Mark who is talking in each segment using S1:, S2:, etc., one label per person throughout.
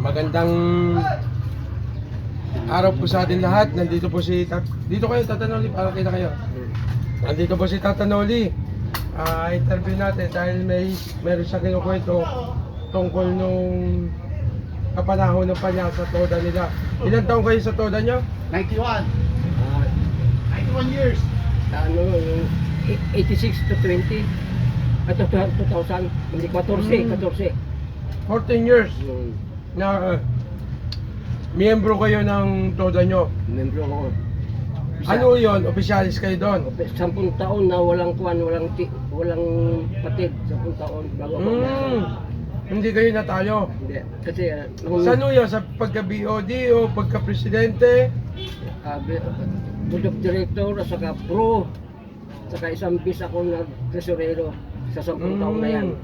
S1: Magandang araw po sa atin lahat. Nandito po si dito kayo, Tata Noli, para kita kayo. Nandito po si Tata Noli. Interview natin dahil meron siya kinukwento tungkol nung kapanahon ng panya sa toda nila. Ilan taong kayo sa toda nyo?
S2: 91. 91 years.
S3: Ano, 86 to 20. At 2000, hindi 14.
S1: 14 years na miyembro kayo ng toda nyo.
S3: Membro ako.
S1: Ano yun? Opisyalis kayo doon?
S3: 10 taon na walang kuwan, walang patid. 10 taon bago ako.
S1: Hindi kayo natalo.
S3: Hindi. Kasi, nung
S1: Sa ano yun? Sa pagka-BOD o pagka-presidente?
S3: board of director, saka pro, saka isang bis ako nag-tresorero sa 10 taon na yan.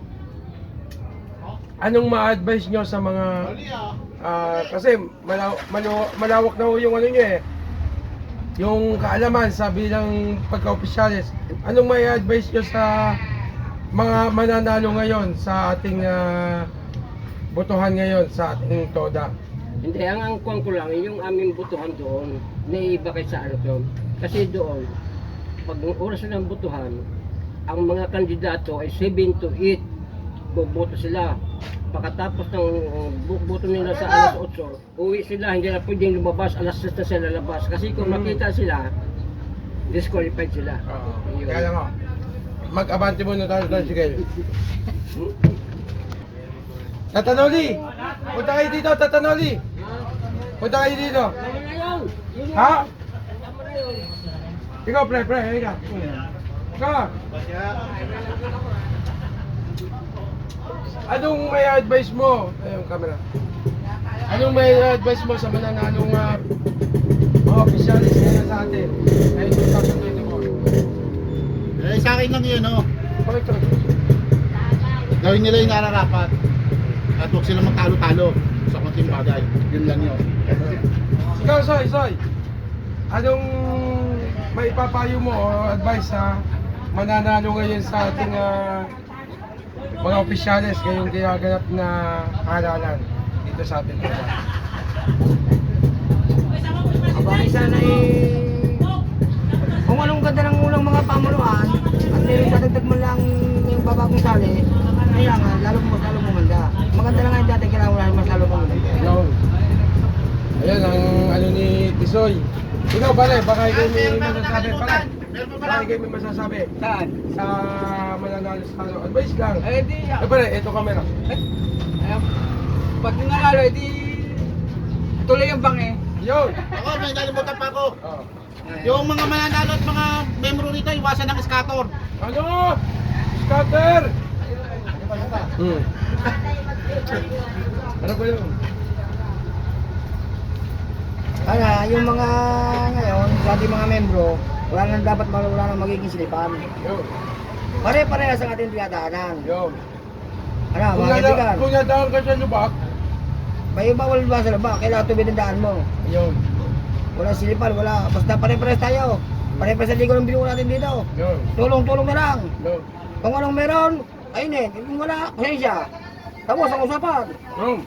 S1: Anong ma-advise nyo sa mga kasi malawak na ho yung ano nyo eh, yung kaalaman sa bilang pagka-opisyalis. Anong may advice nyo sa mga mananalo ngayon sa ating botohan ngayon sa ating toda?
S3: Hindi, ang kuwan ko lang, yung aming botohan doon, naiiba kay sa ano to. Kasi doon, pag oras na ng botohan, ang mga kandidato ay 7 to 8 boboto sila. Pagkatapos ng boto nila sa alas 8, uwi sila, hindi na pwedeng lumabas, alas 6 na sila lalabas. Kasi kung makita sila, disqualified sila. Yun.
S1: Kaya lang ho, mag-abante muna tayo sa sige. Tata Noli! Punta kayo dito, Tata Noli! Punta kayo dito! Ha? Ikaw, pre, ikaw. Ikaw! Anong may advice mo? Ayun, camera. Anong may advice mo sa mananalong mga opisyalis ngayon sa atin? Ngayon 2024.
S2: Sa akin lang yun, oh.
S1: Bakit ka?
S2: Gawin nila yung nararapat. At huwag sila magtalo-talo sa konting bagay. Yun lang yun.
S1: Ikaw, Soy. Anong may papayo mo o advice sa mananalo ngayon sa ating mga opisyalis ngayong ginaganap na halalan dito sa ating lugar?
S4: Abay sana kung anong ganda ng unang mga pamunuan at meron dadagdag mo lang yung babagong sali, kailangan lalo gumanda. Maganda lang nga yung dati, kailangan mas lalo gumanda.
S1: Yun. Ayan ang ano ni Tisoy. Ikaw pare, baka ikaw may masasabi pare. Baka ikaw may masasabi
S4: Saan?
S1: sa mananalo sa ano. Advice lang.
S4: Di,
S1: Pare, ito camera.
S4: pag nanalo, di tuloy yung bang
S1: Yun.
S2: Ako, may nalimutan pa ako.
S1: Oh.
S2: Yung mga mananalo at mga membro rito, iwasan ng scatter.
S1: Ano? Scatter! Ano ba yun?
S4: Kaya yung mga ngayon, sa ating mga membro, wala nang magiging silipan.
S1: Yun.
S4: Pare-parehas ang ating tinadaanan.
S1: Yun.
S4: Ano,
S1: Kung
S4: mga kaibigan,
S1: nadaan ka sa lubak,
S4: may bawal ba sa laba, kailangan tubig ang daan mo.
S1: yun.
S4: Wala silipan, wala. Basta pare-parehas tayo. Pare-parehas sa ligo ng binuo natin dito.
S1: Yun.
S4: Tulong-tulong na lang.
S1: Yun.
S4: Kung anong meron, ayun kung wala, pasensya. Tapos ang usapan.
S1: Yun.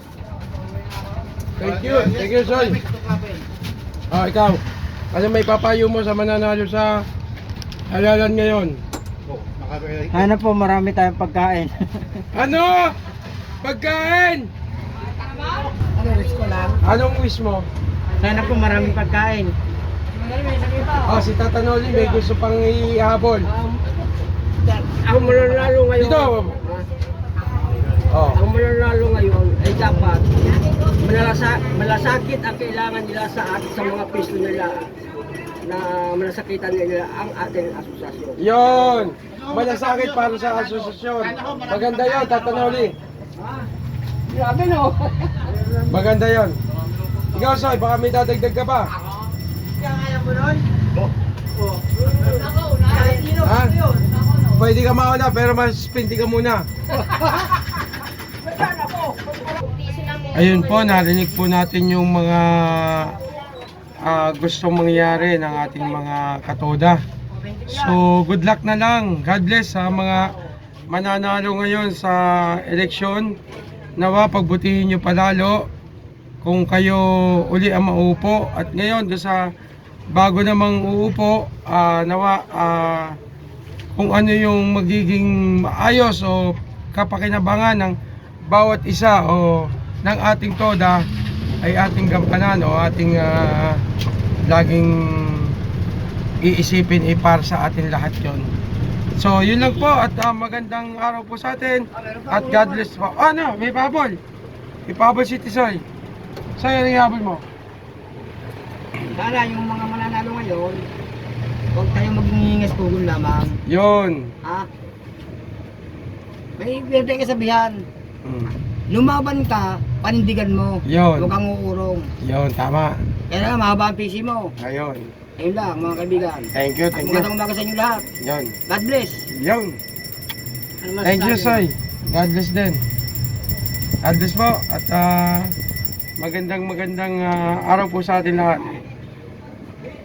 S1: Thank you, Soy. Ikaw. Ano may papayo mo sa mananalo sa halalan ngayon?
S4: Ano po, marami tayong pagkain.
S1: Ano? Pagkain!
S4: Ano, wish ko lang?
S1: Anong wish mo?
S4: Sana po maraming pagkain.
S1: Si Tata Noli may gusto pang ihabol.
S3: Ang mananalo ngayon,
S1: Dito. Oh.
S3: ang mananalo ngayon ay dapat malasakit ang kailangan nila sa mga piso nila na malasakitan nila ang ating asosasyon.
S1: Yon. Malasakit para sa asosasyon. Maganda yon, Tata Noli.
S3: Grabe no?
S1: Maganda yon. Ikaw, Soy, baka may dadagdag ka pa. Ha? Pwede ka mauna pero mas pinti ka muna. Ayun po, narinig po natin yung mga gustong mangyari ng ating mga katoda. So, good luck na lang. God bless sa mga mananalo ngayon sa eleksyon nawa pagbutihin nyo palalo kung kayo uli ang mauupo. At ngayon, doon sa bago namang uupo, nawa kung ano yung magiging maayos o kapakinabangan ng bawat isa o ng ating toda ay ating gampanan o ating laging iisipin para sa atin lahat yon. So yun lang po at magandang araw po sa atin at God bless po. Ano, may pabol. May pabol si Tisoy. Sa'yo ang ihabol mo.
S4: Sana yung mga mananalo ngayon, huwag tayo maging hingas pugol lamang.
S1: Yun.
S4: Ha? May pwede kasabihan. Lumaban ka, panindigan mo.
S1: Yun.
S4: Huwag kang uurong.
S1: Yun, tama.
S4: Kaya nga, mahaba ang PC mo.
S1: Ayun.
S4: Ayun lang, mga kaibigan.
S1: Thank you,
S4: At
S1: thank you.
S4: magandang umaga sa inyo lahat.
S1: Yun.
S4: God bless.
S1: Yun.
S3: Ano
S1: Thank you,
S3: masasabi?
S1: Soy. God bless din. God bless po at magandang araw po sa atin lahat.